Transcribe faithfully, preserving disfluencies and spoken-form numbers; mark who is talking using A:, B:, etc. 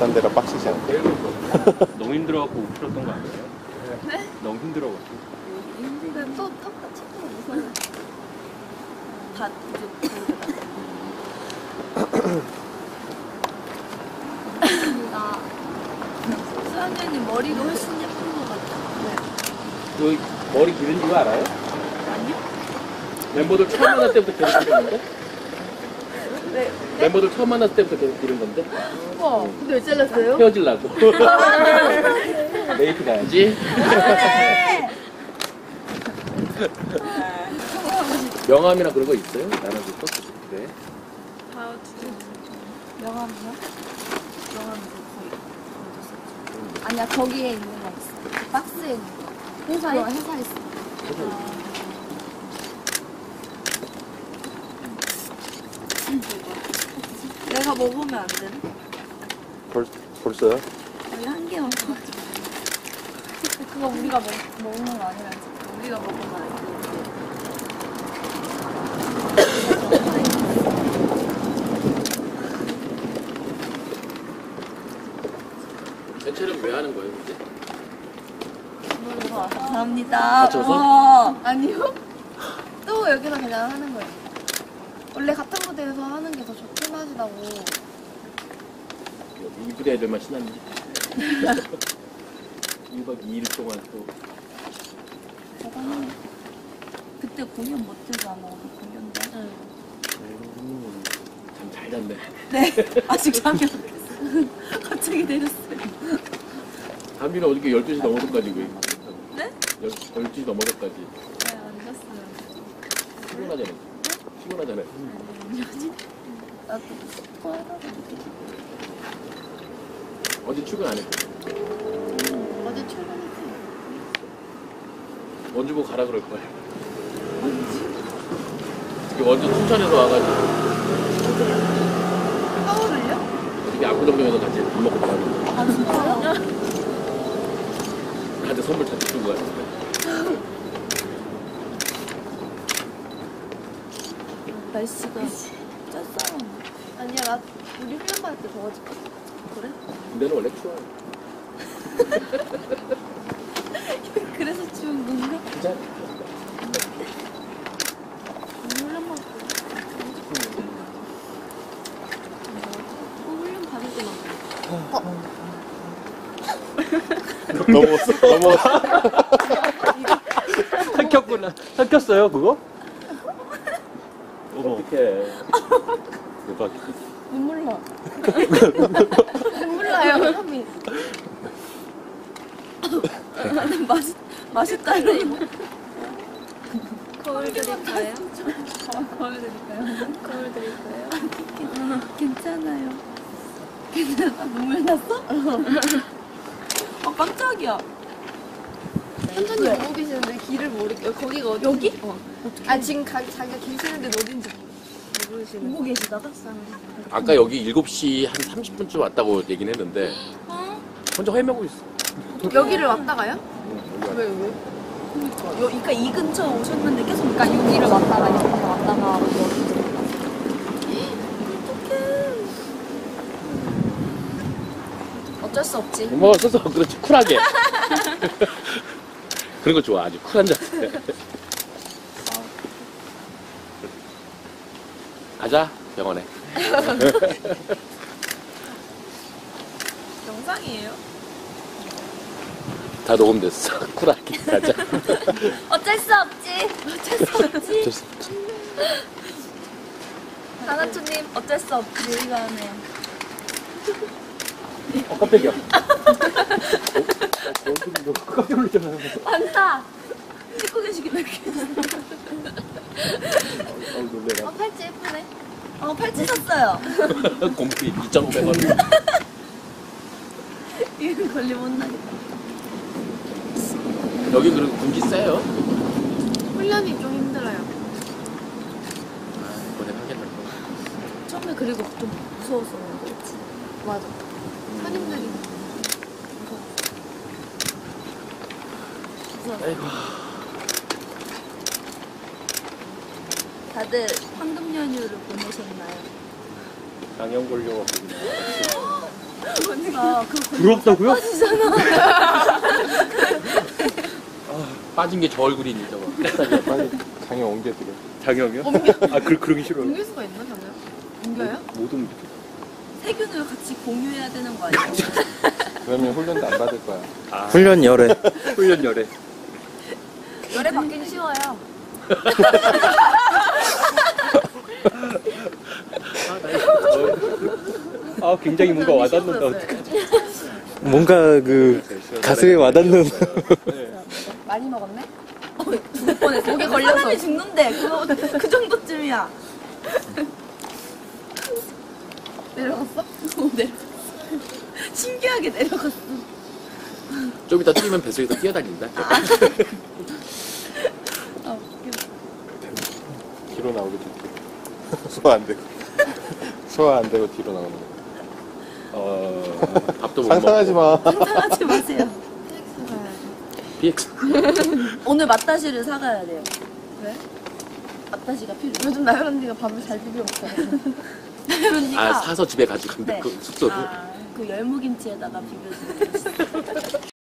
A: 딴 데라 빡치지 않게.
B: 너무 힘들어갖고 웃겼던 거 아니에요?
C: 네?
B: 너무 힘들어갖고.
C: 힘들다. 또 똑같이 또 무서워. 다 이제 나 수학년이 머리가 훨씬 예쁜 것 같아. 네.
B: 너 머리 기른 거 알아요?
C: 아니요?
B: 멤버들 처음 만날 때부터 계속 기르는데?
C: 네.
B: 멤버들 처음 만났을 때부터 계속 기른 건데?
C: 우와. 근데 왜 잘랐어요?
B: 헤어질라고. 메이트 가야지. 명함이나 그런 거 있어요? 나눠줬어? 네.
C: 다 두개 명함이요? 명함이 거의 넣어줬었죠. 아니야, 거기에 있는 거 있어. 그 박스에 있는 거. 회사에? 회사에 있어. 내가 먹으면 안 되나?
A: 벌, 벌써요?
C: 우리 한 개 먹어가지고. 그거 우리가 먹, 먹는 거 아니라지. 우리가 먹으면 안 돼.
B: 대체는 왜 하는 거예요, 이제?
C: 감사합니다.
B: 맞춰서?
C: 어, 아니요. 또 여기서 그냥 하는 거예요. 원래 같은 무대에서 하는 게 더 좋긴 하시다고.
B: 이 부대 애들만 신났네. 일 박 이 일 동안 또.
C: 대단해. 그때 공연 못 들잖아. 공연 때. 응.
B: 음, 참 잘 잤네.
C: 네. 아직 잠이 안 깼어요. 갑자기 내렸어요.
B: 담비는 어저께 열두 시 넘어서까지 왜?
C: 네?
B: 열두 시 넘어서까지.
C: 네, 안 잤어요.
B: 피곤하잖아. 피곤하잖아.
C: 나도 토하다가
B: 어제 출근 안 했고.
C: 어제 출근했어요.
B: 원주 보고 가라 그럴 거야. 어떻게 원주 춘천에서 와가지고
C: 서울을요?
B: 어떻게 압구정동에서 같이 밥 먹고 가는 거야.
C: 아, 진짜요?
B: 나한테 선물 다 주신 거 같은데.
C: 날씨가 쪘어요. 아니야, 나 우리 훈련 받을 때 더워질까? 그래?
B: 근데는 원래 추워요.
C: 그래서 추운 건가?
B: 진짜?
C: 훈련 받을 때 훈련 받을 때만
A: 넘어왔어? 넘어왔어?
D: 삼켰구나. 삼켰어요, 그거? 어머.
B: 어떡해.
A: 대박.
C: 눈물 나. 눈물 나요, 현미. 맛있, 맛있다네, 이거. 거울 드릴까요? 거울 드릴까요? 거울 드릴까요? 괜찮아요. 괜찮아? 눈물 났어? 아, 깜짝이야.
E: 선전님 보고 계시는데 길을 모르겠어요. 거기가 어디?
C: 여기?
E: 어. 아 지금 가, 자기가 계시는데 어딘지 모르시는.
C: 보고 계시다가?
B: 아까 여기 일곱 시 한 삼십 분쯤 왔다고 얘기는 했는데
C: 어?
B: 혼자 헤매고 있어.
E: 여기를 왔다가요? 왜 왜?
C: 여, 그러니까 이 근처 오셨는데 계속 그러니까 여기를 왔다가 이렇게 왔다가 여기 어쩔 수 없지.
B: 뭐 써서 그렇지 쿨하게. 그런 거 좋아. 아주 쿨한 자세. 가자 병원에.
C: 영상이에요?
B: 다 녹음됐어. 쿨하게 가자.
C: 어쩔 수 없지. 어쩔 수 없지.
B: 어쩔 수 없지.
C: 하나초님 어쩔 수 없지. 우리가 하네요.
B: 어 깜짝이야.
D: 어, 깜짝 놀랐잖아요.
C: 많다. 찍고 계시긴 해.
B: 어 놀래라.
C: 어, 팔찌 예쁘네. 어, 팔찌 샀어요.
B: 공피 이천오백 원.
C: 이거 걸리면 혼나겠다.
B: 여기 그리고 군기 세요?
E: 훈련이 좀 힘들어요.
B: 아, 이번에 하겠다.
C: 처음에 그리고 좀 무서웠어. 그렇지.
E: 맞아. 선임들이
C: 무서웠어.
B: 아이고.
C: 다들 황금 연휴를 보내셨나요?
A: 장염 걸려갖고.
C: 아, 그거
D: 부럽다고요?
B: 빠진 게 저 얼굴이니 저거.
A: 빨리 장애 옮겨드려.
D: 장혁이요? 아, 그, 그러기 싫어요.
E: 옮길 수가 있나, 저는? 옮겨요?
D: 못 옮겨.
C: 세균을 같이 공유해야 되는 거 아니에요?
A: 그러면 훈련도 안 받을 거야.
D: 아,
F: 훈련 열애.
D: 훈련 열애.
E: 열애 받기는 쉬워요.
D: 아, 굉장히 뭔가 와닿는다. 어떡하지?
F: 뭔가 그 가슴에 와닿는.
E: 많이 먹었네?
C: 죽을 뻔했어. 목에 걸려 사람이 죽는데 그거 그 정도쯤이야.
E: 내려갔어?
C: 어, 내려갔어. 신기하게 내려갔어.
B: 좀 이따 뛰면 뱃속에서 뛰어다닌다.
C: 아, 웃겨.
A: 뒤로 나오겠지. 소화 안 되고. 소화 안 되고 뒤로 나오는 거.
D: 어,
B: 밥도 못
A: 상상하지
B: 먹고.
A: 마.
C: 상상하지 마세요.
E: 피엑스 가야지.
B: 비엑스.
C: 오늘 맛다시를 사가야 돼요.
E: 왜?
C: 맛다시가 필요해.
E: 요즘 나연 언니가 밥을 잘 비벼 먹잖아.
C: 그러니까
B: 아 사서 집에 가지고 간다.
C: 네.
B: 그 숙소로.
C: 아, 그 열무김치에다가 비벼주는 게 맛있어.